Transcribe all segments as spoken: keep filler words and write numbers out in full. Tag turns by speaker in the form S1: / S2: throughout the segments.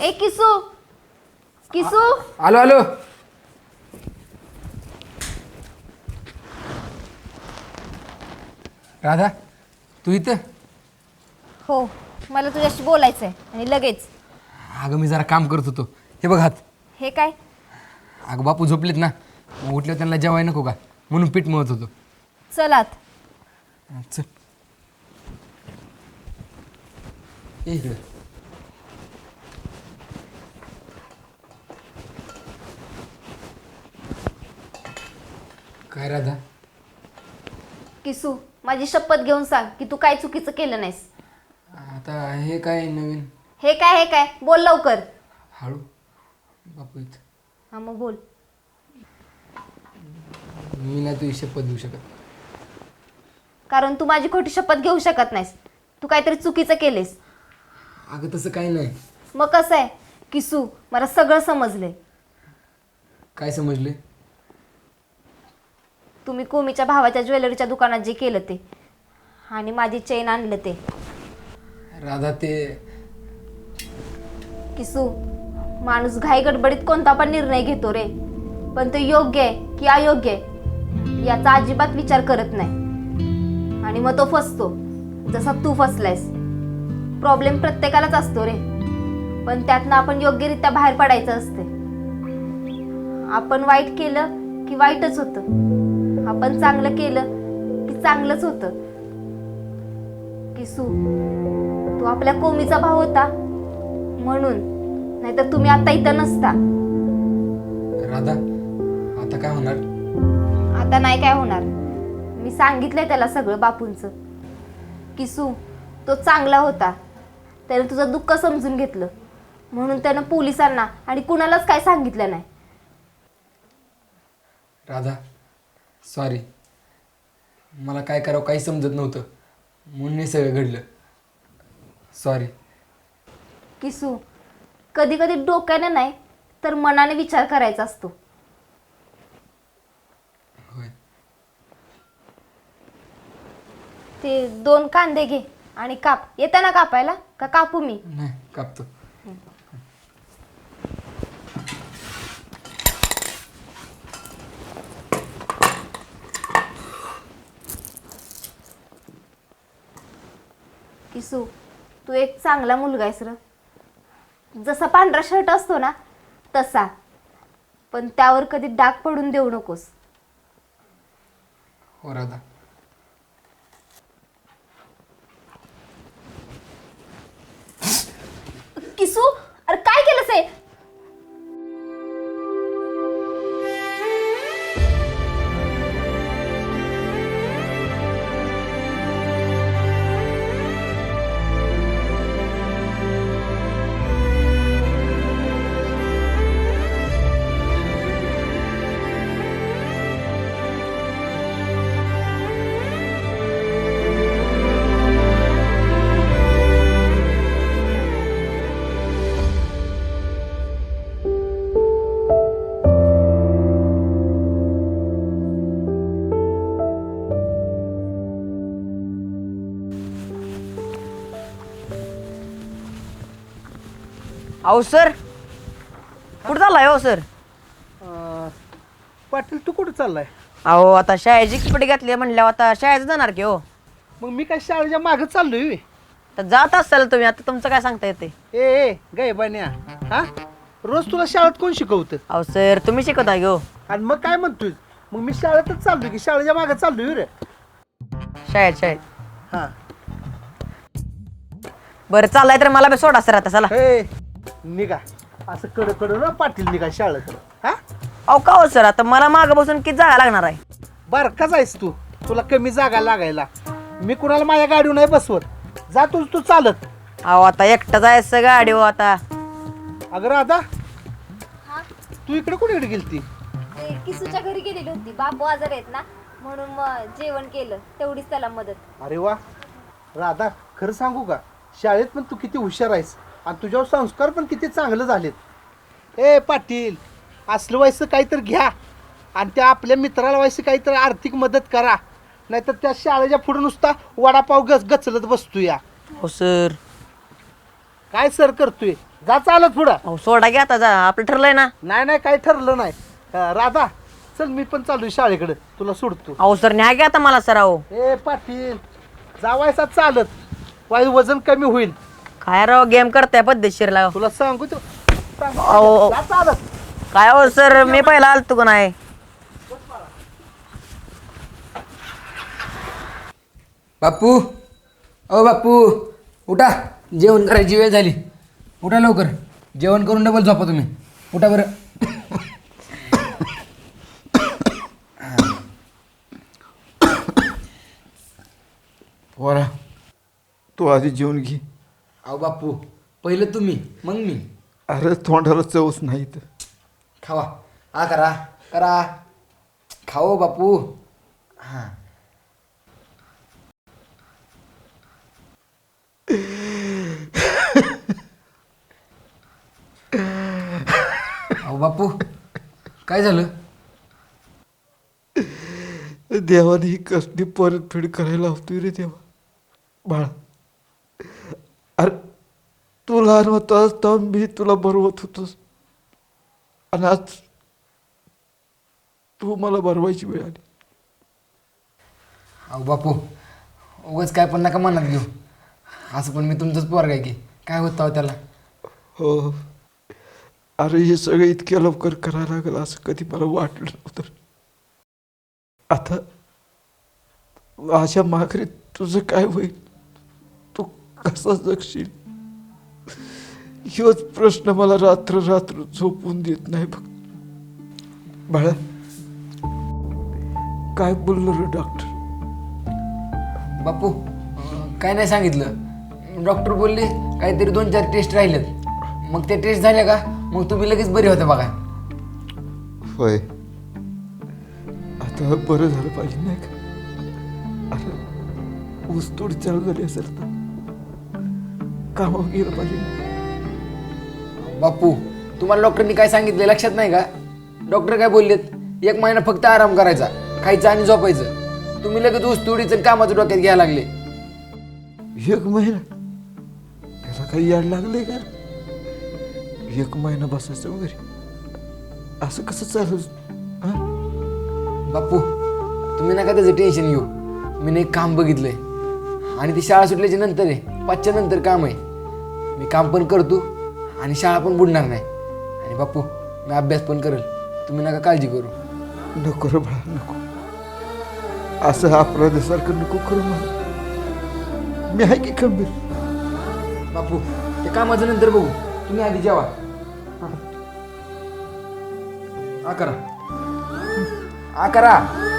S1: ए किसू किसू
S2: आलो आलो. राधा तू इथं?
S1: हो मला तुझ्याशी बोलायचं आहे आणि लगेच.
S2: अगं मी जरा काम करत होतो. हे बघ हात.
S1: हे काय?
S2: अगं बापू झोपलेत ना, मग उठल्यावर त्यांना जेवाय नको का म्हणून पीठ मळत होतो.
S1: चलात.
S2: चल ये इकडं. काय राधा?
S1: किसू माझी शपथ घेऊन सांग की तू काय चुकीचं केलं नाहीस.
S2: आता हे काय नवीन?
S1: हे काय हे काय बोल लवकर.
S2: हळू. बापू इथं.
S1: हा मग बोल.
S2: मी नाही तुझी शपथ घेऊ शकत.
S1: कारण तू माझी खोटी शपथ घेऊ शकत नाहीस. तू काहीतरी चुकीचं केलेस.
S2: अगं तसं काही नाही.
S1: मग कसं आहे किसू, मला सगळं समजलंय.
S2: काय समजले?
S1: तुम्ही कोमीच्या भावाच्या ज्वेलरीच्या दुकानात जे केलं ते आणि माझी चेन आणलं ते.
S2: राधा ते
S1: किसू, माणूस घाई गडबडीत कोणता पण निर्णय घेतो रे, पण तो योग्य आहे की अयोग्य आहे याचा अजिबात विचार करत नाही आणि मग तो फसतो जसा तू फसलायस. प्रॉब्लेम प्रत्येकालाच असतो रे, पण त्यातनं आपण योग्यरित्या बाहेर पडायचं असते. आपण वाईट केलं की वाईटच होतं, आपण चांगलं केलं की चांगलंच होतं. किसू, तू आपल्या कोमीचा भाऊ होता म्हणून, नाहीतर तुम्ही आता इथं नसता.
S2: राधा आता काय होणार?
S1: आता नाही काय होणार. मी सांगितलंय त्याला सगळं बापूंचं. किसू, तो चांगला होता. त्याने तुझं दुःख समजून घेतलं म्हणून त्यानं पोलिसांना आणि कुणालाच काय सांगितलं नाही.
S2: राधा सॉरी, मला काय करावं काही समजत नव्हतं म्हणून हे सगळं घडलं. सॉरी.
S1: किसू, कधी कधी डोक्याने नाही तर मनाने विचार करायचा असतो.
S2: होय.
S1: ते दोन कांदे घे आणि काप. येतं ना कापायला का कापू मी?
S2: नाही कापतो.
S1: किसू, तू एक चांगला मुलगा आहेस र. जसा पांढरा शर्ट असतो ना तसा, पण त्यावर कधी डाग पडून देऊ नकोस.
S2: हो राधा.
S1: किसू, अरे काय केलंस हे?
S3: अहो सर, कुठं चाललाय हो सर?
S4: पाटील तू कुठं चाललाय?
S3: अहो आता शाळेची कपडे घातली म्हणल्यावर आता शाळेत जाणार की हो.
S4: मग मी काय शाळेच्या मागं चाललोय व्हय?
S3: तर जात असाल तुम्ही, आता तुमचं काय सांगता येते?
S4: ए ए गायबान्या, हा रोज तुला शाळेत कोण शिकवतं?
S3: अहो सर, तुम्ही शिकवता हो.
S4: आणि मग काय म्हणतोय? मग मी शाळेतच चाललोय की शाळेच्या मागं चाललोय रे.
S3: शाळेत शाळेत
S4: हा
S3: बरं चाललाय तर मला बी सोडा सर आता चला.
S4: ए निघा असं कड कड ना पाटील निघा शाळेकडं. हा
S3: अहो का हो सर, आता मला मागं बसून किती जागा लागणार आहे?
S4: बारकाच आहेस तू, तुला कमी जागा लागायला. मी कुणाला माझ्या गाडीवर नाही बसवत. जा तू तू चालत.
S3: अहो आता एकटाच आहे सर गाडी हो आता.
S4: अगं राधा, तू इकडे कुठे इकडे गेलती?
S1: ते किसूच्या घरी गेलेली होती. बापू आजार आहेत ना म्हणून मग जेवण केलं, तेवढीच त्याला मदत.
S4: अरे वा राधा, खरं सांगू का, शाळेत पण तू किती हुशार आहेस आणि तुझ्यावर संस्कार पण किती चांगले झालेत. ए पाटील, असलं व्हायचं काहीतरी घ्या आणि त्या आपल्या मित्राला व्हायचं काहीतरी आर्थिक मदत करा, नाहीतर त्या शाळेच्या पुढे नुसता वडापाव गच गचलत बसतो या.
S3: हो सर.
S4: काय सर करतोय? जा चालत पुढं.
S3: अहो सोडा घ्या आता जा आपलं ठरलंय ना.
S4: नाही नाही काही ठरलं नाही. अं, राधा चल मी पण चालू शाळेकडे तुला सोडतो.
S3: अहो सर न्या घ्या आता मला सर. अहो
S4: ए पाटील जावायचा चालत वाय वजन कमी होईल.
S3: काय राव गेम करताय पद्धतशीरला.
S4: तुला सांगू तू सांगू.
S3: अहो.
S4: जा चालत.
S3: काय हो सर मी पहिला आलतो का नाही.
S2: बापू ओ बापू उठा, जेवण करायची वेळ झाली. उठा लवकर, जेवण करून डबल झोपा तुम्ही. उठा बरं.
S5: पोरा तू आधी जेवून घे.
S2: अहो बापू पहिलं तुम्ही मग मी.
S5: अरे तोंडाला चवच नाही तर.
S2: खावा. हा करा करा खाओ बापू. हां अहो बापू काय झालं?
S5: देवाने ही कसली परतफेड करायला हवतोय रे देवा. बाळा अरे तू लहान होतास तर मी तुला बरवत होतोस आणि आज तू मला बरवायची वेळ आली.
S2: अहो बापू उगाच काय पण नका मनात घेऊ. असं पण मी तुमचंच पोरग आहे की काय होतं अहो त्याला.
S5: हो अरे हे सगळं इतक्या लवकर करायला लागलं असं कधी मला वाटलं नव्हतं. आता माझ्या माघारी तुझं काय होईल, तू कसा जगशील ह्योच प्रश्न मला रात्र रात्र झोपून देत नाही बघ. बाळा काय बोललो रे डॉक्टर?
S2: बापू अं, काय नाही सांगितलं. डॉक्टर बोलले काहीतरी दोन चार टेस्ट राहिलेत. मग ते टेस्ट झाले का मग तुम्ही लगेच बरे होते बघा.
S5: होय आता बरं झालं पाहिजे नाही का? अरे ऊस थोडी चालू झाली असेल तर कामावर गेलं पाहिजे.
S2: बापू तुम्हाला डॉक्टरनी काय सांगितलं लक्षात नाही का? डॉक्टर काय बोललेत, एक महिना फक्त आराम करायचा, खायचं आणि झोपायचं. तुम्ही लगेच ऊस तोडीचं कामाचं डोक्यात घ्यायला लागले.
S5: एक महिना त्याला काही याड लागले का? एक महिना बसायचं वगैरे असं कसं चालू?
S2: बापू तुम्ही नका त्याचं टेन्शन घेऊ. मी नाही काम बघितलंय आणि ती शाळा सुटल्याच्या नंतर आहे, पाचच्या नंतर काम आहे. मी काम पण करतो आणि शाळा पण बुडणार नाही. आणि बापू मी अभ्यास पण करेल, तुम्ही नका काळजी करू.
S5: नको रे बाळा नको, असं अपराधासारखं नको करू मला. मी आहे की खंबीर.
S2: बापू ते कामाचं नंतर बघू, तुम्ही आधी जेवा. हा करा हा करा.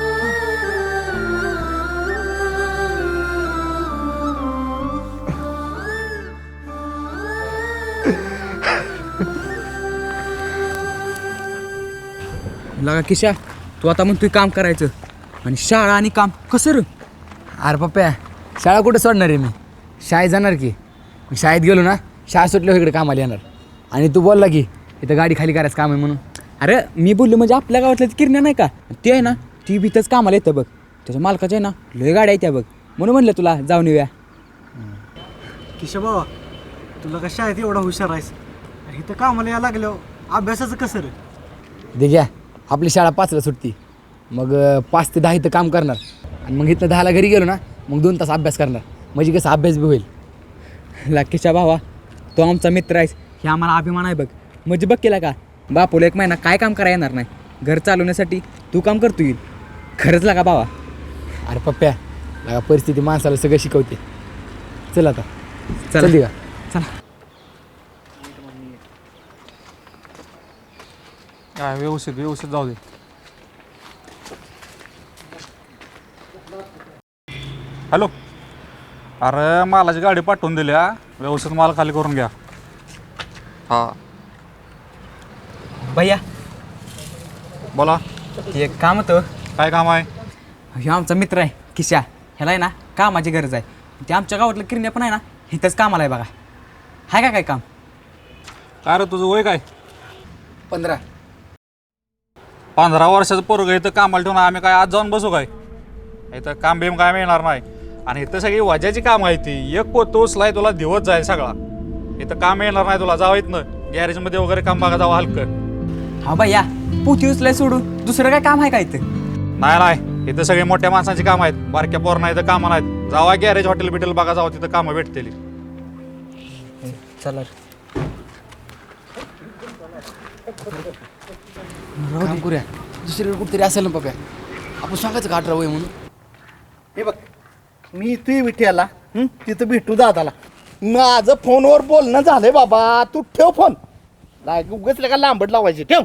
S6: लगा किशा तू आता म्हणतोय काम करायचं आणि शाळा आणि काम कसं रे?
S2: अरे पप्प्या शाळा कुठे सोडणार आहे मी? शाळेत जाणार की. मी शाळेत गेलो ना शाळा सुटल्यावर इकडे कामाला येणार. आणि तू बोलला की इथं गाडी खाली करायचं काम आहे म्हणून.
S6: अरे मी बोललो म्हणजे आपल्या गावातल्या किरण्या नाही का ते आहे ना, ती भीतच कामाला येतं बघ. त्याच्या मालकाच्या आहे ना लय गाड्या येत्या बघ, म्हणून म्हणलं तुला जाऊन येऊया.
S7: किशा बाबा तुला कशा आहेत एवढा हुशार आहेस? इथं कामाला यायला लागल्यावर अभ्यासाचं कसं रे?
S2: दे घ्या, आपली शाळा पाचला सुटती, मग अं, पाच ते दहा इथं काम करणार आणि मग इथं दहाला घरी गेलो ना मग दोन तास अभ्यास करणार. म्हणजे कसं अभ्यास बी होईल.
S6: लाकीच्या भावा तो आमचा मित्र आहेस हे आम्हाला अभिमान आहे बघ. म्हणजे बघ केला का बापूला एक महिना काय काम करायला येणार नाही, घर चालवण्यासाठी तू काम करतो येईल. खरंच लागा भावा.
S2: अरे पप्प्या लगा परिस्थिती माणसाला सगळं शिकवते. चल आता
S6: चला.
S2: चल का
S6: चला.
S8: हा व्यवस्थित व्यवस्थित जाऊ दे. हॅलो अरे मालाची गाडी पाठवून दिल्या, व्यवस्थित माल खाली करून घ्या. हा
S6: भैया
S8: बोला
S6: ते एक काम होतं.
S8: काय काम आहे?
S6: हे आमचा मित्र आहे किशा, ह्याला आहे ना कामाची गरज आहे. ते आमच्या गावातलं किरण्या पण आहे ना इथंच कामाला आहे बघा. हाय का काय काम?
S8: काय रे तुझं वय काय?
S2: पंधरा.
S8: पंधरा वर्षाचं पोरग इथं कामाला ठेवून आम्ही काय आज जाऊन बसू काय? इथं काम बिम काय मिळणार नाही. आणि इथं सगळी वजाची काम आहे ती. एक पोत उचलाय तुला दिवस जाईल सगळा. इथं काम येणार नाही तुला, जावं इथनं गॅरेजमध्ये वगैरे काम बघा, जावं हलकं.
S6: हा भैया पोती उचलाय सोडून दुसरं काय काम आहे का इथं?
S8: नाही नाही, इथं सगळे मोठ्या माणसांची कामं आहेत, बारक्या पोरणा इथं कामं नाहीत. जावा गॅरेज हॉटेल बिटेल बघा, जावं तिथं कामं भेटतील.
S6: चला
S2: काम करूया, दुसरीकडे कुठतरी असेल ना पप्या. आपण सांगायचं का अठरा वय म्हणून?
S4: हे बघ, मी इथे विठ्याला हं, तिथं भेटू दादाला. माझं फोनवर बोलणं झालंय बाबा. तू ठेव फोन, उगाच का लांबट लावायचे. ठेव.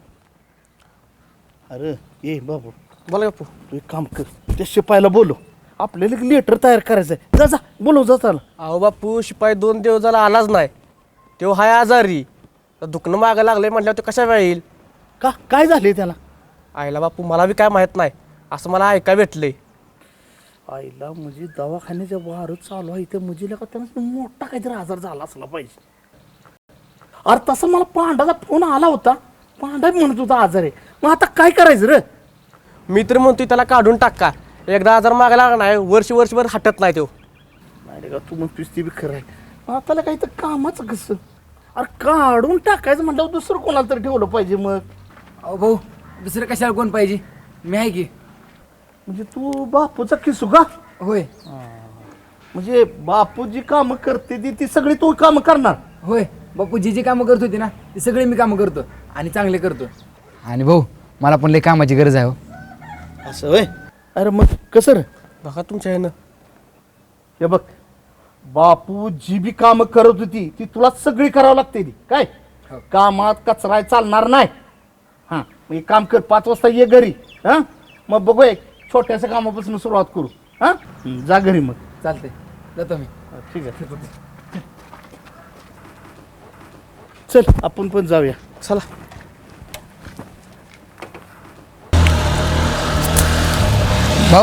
S4: अरे ये बाबू,
S7: बोला बापू.
S4: तू एक काम कर, त्या शिपायला बोलो, आपल्याला एक लेटर तयार करायचं आहे. जा जा बोलव, जा चाल.
S7: अहो बापू, शिपाई दोन दिवस झाला आलाच नाही. तो हाय आजारी, तर दुखणं मागं लागलंय म्हटल्यावर तो कशा वेळ येईल?
S4: का काय झालंय त्याला?
S7: आईला बापू मला बी काय माहीत नाही, असं मला ऐकाय भेटलंय.
S4: आईला म्हणजे दवाखान्याच्या वारच चालू आहे, त्या मुजीला का त्यांना मोठा काहीतरी आजार झाला असला पाहिजे. अरे तसं मला पांडाचा फोन आला होता, पांडा म्हणत होता आजार आहे. मग आता काय करायचं रे?
S7: मी तर म्हणतोय त्याला काढून टाका. एकदा आजार मागा लागला नाही, वर्ष वर्षभर हटत नाही तो.
S4: नाही का, तू म्हणतोस ते बी खरं आहे. मग आता काही तर कामाचं कसं? अरे काढून टाकायचं म्हटल्यावर दुसरं कोणाला तरी ठेवलं पाहिजे. मग
S2: अहो भाऊ, दुसरं कशाला कोण पाहिजे? मी आहे की.
S4: म्हणजे तू बापूचा किसू का?
S2: होय
S4: म्हणजे बापू जी कामं करते ती ती सगळी तू कामं करणार?
S2: होय, बापू जी जी कामं करत होती ना ती सगळे मी कामं करतो आणि चांगले करतो. आणि भाऊ मला पण लई कामाची गरज आहे हो.
S4: असं होय? अरे मग कसं रे?
S7: बघा तुमच्या ह्यानं.
S4: हे बघ, बापू जी बी कामं करत होती ती तुला सगळी करावं लागते. ती काय कामात कचरा चालणार नाही. हां, मग एक काम कर, पाच वाजता ये घरी. हां, मग बघू एक छोट्याशा कामापासून सुरुवात करू. हां, जा घरी मग.
S2: चालते, जातो मी.
S4: ठीक आहे, चल आपण पण जाऊया.
S7: चला.
S2: भाऊ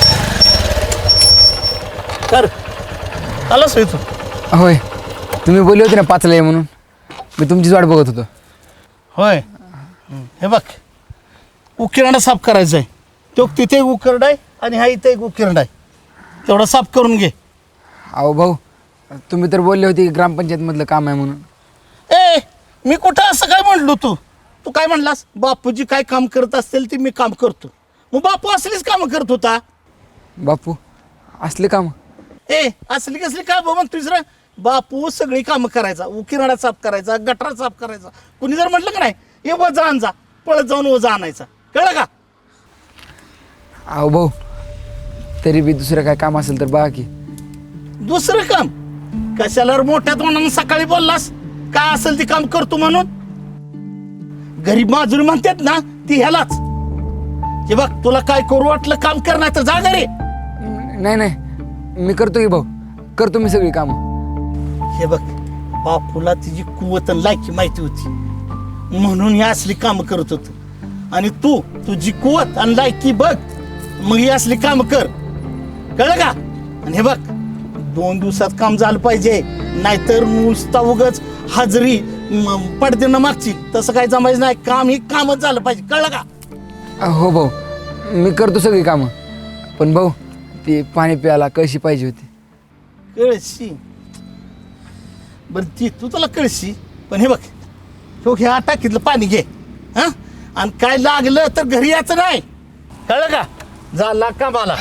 S4: कर आलास तू?
S2: होय, तुम्ही बोलले होते ना पाचला ये म्हणून, मी तुमचीच वाट बघत होतो.
S4: होय. हे बघ, उकिरडा साफ करायचा आहे. तो तिथे एक उकिरडा आहे आणि हा इथे एक उकिरडा आहे, तेवढा साफ करून घे.
S2: अहो भाऊ, तुम्ही तर बोलले होते की ग्रामपंचायतमधलं काम आहे म्हणून.
S4: ए, मी कुठं असं काय म्हणलो? तू तू काय म्हणलास? बापूजी काय काम करत असतील ते मी काम करतो. मग बापू असलीच कामं करत होता.
S2: बापू असले काम?
S4: ए, असली कसली काय बाबा तुझं? बापू सगळी कामं करायचा, उकिरडा साफ करायचा, गटार साफ करायचा. कुणी जर म्हटलं का नाही हे वजा आण जा, पळत जाऊन वजा आणायचा. कळलं का?
S2: अहो भाऊ, तरी बी दुसरं काय काम असेल तर बघा की.
S4: दुसरं काम कशाला रे? मोठ्या तोंडानं सकाळी बोललास काय असेल ते काम करतो म्हणून. गरीब माजुरी म्हणतात ना ती ह्यालाच. हे बघ, तुला काय करू वाटलं काम करणार तर जा घरी.
S2: नाही नाही, मी करतो की भाऊ, करतो मी सगळी कामं.
S4: हे बघ, बापूला तिची कुवत आणि लायकी माहिती होती म्हणून ही असली कामं करत होत. आणि तू तुझी कुवत आणि लायकी बघ, मग ही असली कामं कर. कळलं का? आणि हे बघ, दोन दिवसात काम झालं पाहिजे, नाहीतर नुसता उगच हाजरी पडदेनं मागची तसं काही जमायचं नाही. काम ही कामच झालं पाहिजे. कळलं का?
S2: हो भाऊ, मी करतो सगळी कामं. पण भाऊ, ती पाणी प्यायला कळशी पाहिजे होती.
S4: कळशी? बरं ती तू तुला कळशी, पण हे बघ, तो ह्या टाकीतलं पाणी घे. हा, आणि काय लागलं तर घरी यायचं नाही. कळलं का? झाला कामाला.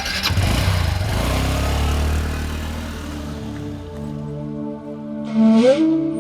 S9: Thank you.